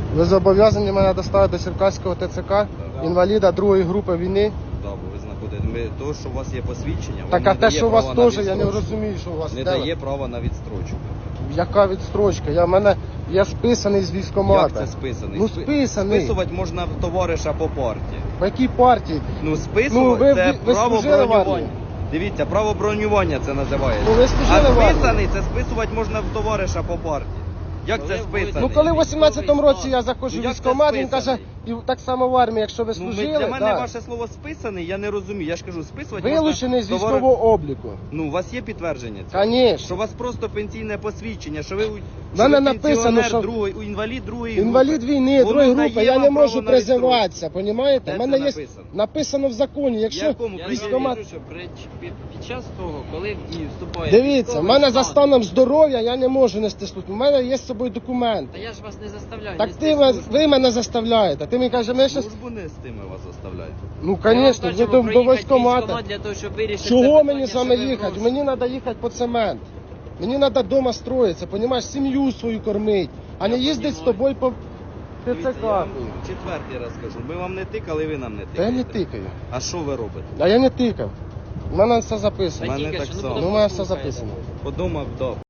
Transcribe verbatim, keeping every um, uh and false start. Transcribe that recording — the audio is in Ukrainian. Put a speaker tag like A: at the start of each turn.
A: Ви зобов'язані мене доставити до Черкаського Т Ц К, інваліда другої групи війни.
B: Да, бо ви знаходите. Ми, то, що у вас є посвідчення,
A: Так,
B: вам
A: а
B: не
A: те,
B: дає
A: що у вас
B: права на
A: теж, я не
B: відстрочку.
A: розумію, що у вас
B: Не
A: де ви?
B: дає права на відстрочку.
A: Яка відстрочка? Я в мене я списаний з військкомата.
B: Як це списаний?
A: Ну
B: Спи-
A: списаний.
B: Списувати можна в товариша по партії.
A: В якій партії?
B: Ну,
A: Ну,
B: списувати
A: ви-
B: це
A: ви- ви
B: право
A: служили в
B: бронювання.
A: армії?
B: Дивіться, право бронювання це називається.
A: Ну, ви служили
B: а
A: в армії?
B: списаний це списувати можна в товариша по партії. Як це списаний?
A: Ну коли в вісімнадцятому році я заходжу
B: Ну,
A: в
B: як
A: військкомат,
B: це
A: він каже, і так само в армії, якщо ви
B: Ну, ми-
A: служили,
B: для мене
A: да,
B: ваше слово списаний, я не розумію. Я ж кажу, списувати
A: вилучений з
B: можна товари-
A: військового обліку.
B: Ну, у вас є підтвердження цього?
A: Звісно.
B: Що у вас просто пенсійне посвідчення, що ви, у-
A: В
B: що
A: мене
B: ви
A: написано,
B: пенсіонер
A: що-
B: другої, у інвалід другої
A: Інвалід
B: групи.
A: війни,
B: Воно
A: другої
B: дає
A: групи, я
B: вам
A: не
B: право
A: можу
B: на
A: призиватися, понімаєте?
B: Де
A: У мене
B: це
A: є
B: написано?
A: написано в законі, якщо
B: Якому
C: Я
B: прийде?
A: військкомат...
C: кажу, що при- під, під час того, коли і вступає...
A: Дивіться, в
C: військовий
A: мене за
C: стан-
A: станом здоров'я я не можу нести службу. У мене є з собою документ.
C: Та я ж вас не заставляю.
A: Так
C: нести
A: ти ви,
C: службу.
A: ви мене заставляєте. Ти мені кажеш, ми щас...
B: Службу не з тими вас заставляють.
A: Ну,
C: Ми вам
A: звісно,
C: кажемо
A: ви до, до
C: проїхати
A: військкомата.
C: військкомат для того, щоб вирішити це
A: Чого
C: питання,
A: мені з вами
C: що ви
A: їхати?
C: просите.
A: Мені треба їхати по цемент. Мені треба вдома строїтися, понімаєш, сім'ю свою кормити, а не
C: Я
A: їздити з
C: понімаю.
A: тобою по
B: Дивіться,
A: ТЦК.
B: я вам четвертий раз кажу. Ми вам не тикали, ви нам не
A: Та я
B: тикаєте.
A: не тикаю.
B: А що ви робите?
A: А я не тикав. У мене все
C: Та
A: записано.
B: мене
C: тільки
B: так
C: що, ну,
B: само.
C: потім
A: Ну, у мене все
C: послухаєте.
A: записано.
B: Подумав, да.